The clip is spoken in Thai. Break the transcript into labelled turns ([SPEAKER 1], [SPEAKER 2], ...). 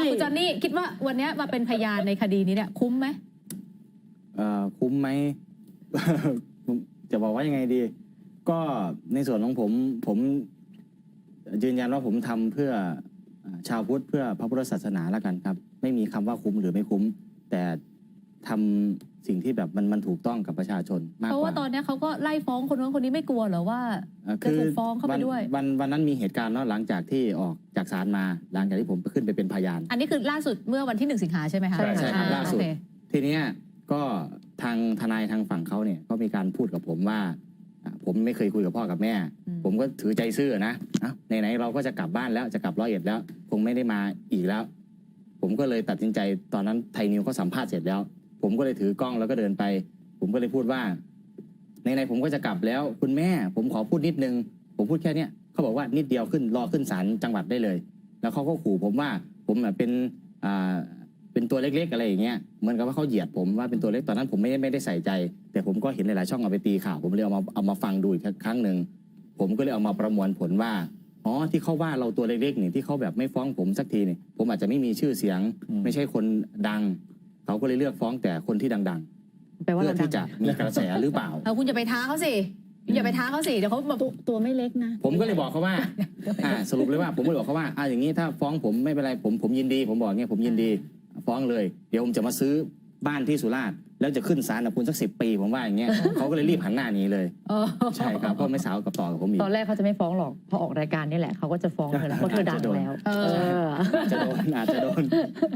[SPEAKER 1] คุณจอนนี่คิดว่าวันนี้มาเป็นพยานในคดีนี้เนี่ยคุ้มไหม
[SPEAKER 2] คุ้มไหม จะบอกว่ายังไงดี ก็ในส่วนของผมยืนยันว่าผมทำเพื่อชาวพุทธเพื่อพระพุทธศาสนาแล้วกันครับ ไม่มีคำว่าคุ้มหรือไม่คุ้ม แต่ทำสิ่งที่แบบมันถูกต้องกับประชาชนมากกว่า
[SPEAKER 1] เพราะว่าตอนนี้เขาก็ไล่ฟ้องคนนู้นคนนี้ไม่กลัวเหรอว่าจะถูกฟ้องเข้าไปด้วย
[SPEAKER 2] วันนั้นมีเหตุการณ์เนาะหลังจากที่ออกจากศาลมา หลังจากที่ผมขึ้นไปเป็นพยาน
[SPEAKER 1] อันนี้คือล่าสุดเมื่อวันที่1 สิงหาใช่ไหมคะ
[SPEAKER 2] ใช่ครับล่าสุด
[SPEAKER 1] โอเค
[SPEAKER 2] ทีเนี้ยก็ทางทนายทางฝั่งเขาเนี่ยก็มีการพูดกับผมว่าผมไม่เคยคุยกับพ่อกับแม่ ผมก็ถือใจซื่อนะไหนๆเราก็จะกลับบ้านแล้วจะกลับ101แล้วคงไม่ได้มาอีกแล้ว ผมก็เลยตัดสินใจตอนนั้นไทยนิวเขาสัมภาษณ์เสร็จแล้ว ผมก็เลยถือกล้องแล้วก็เดินไป ผมก็เลยพูดว่าไหนๆผมก็จะกลับแล้วคุณแม่ผมขอพูดนิดนึงผมพูดแค่เนี้ยเขาบอกว่านิดเดียวขึ้นรอขึ้นศาลจังหวัดได้เลย แล้วเขาก็ขู่ผมว่าผมเป็นตัวเล็กๆอะไรอย่างเงี้ยเหมือนกับว่าเขาเหยียดผมว่าเป็นตัวเล็กตอนนั้นผมไม่ได้ใส่ใจ แต่ผมก็เห็นหลายๆช่องเอาไปตีข่าวผมเลยเอามาฟังดูอีกครั้งหนึ่งผมก็เลยเอามาประมวลผลว่าอ๋อที่เขาว่าเราตัวเล็กๆนี่ที่เขาแบบไม่ฟ้องผมสักทีนี่ผมอาจจะไม่มีชื่อเสียง ไม่ใช่คนดังเขาก็เลยเลือกฟ้องแต่คนที่ดังๆ
[SPEAKER 1] แปลว่า
[SPEAKER 2] เพื่
[SPEAKER 1] เรา
[SPEAKER 2] อที่จะมีกระแสหรือเปล่า
[SPEAKER 1] คุณอย่าไปท้าเขาสิอย่าไปท้าเขาสิเดี๋ยวเขาแบบ
[SPEAKER 3] ตัวไม่เล็กนะ
[SPEAKER 2] ผมก็เลยบอกเขาว่าสรุปเลยว่าผมก็เลยบอกเขาว่าอย่างนี้ถ้าฟ้องผมไม่เป็นไรผมยินดีผมบอกเงี้ยผมยินดีฟ้องเลยเดี๋ยวผมจะมาซื้อบ้านที่สุราษฎร์แล้วจะขึ้นศาลกับคุณสัก10 ปีผมว่าอย่างเงี้ย เขาก็เลยรีบหันหน้าหนีเลยใช่ครับเพราะไม่สาวกับต่อกับผมอีก
[SPEAKER 3] ตอนแรกเขาจะไม่ฟ้องหรอกพอออกรายการนี่แหละเขาก็จะฟ้องเธอแล้วเพราะเธอดังแล้ว
[SPEAKER 2] อาจจะโดน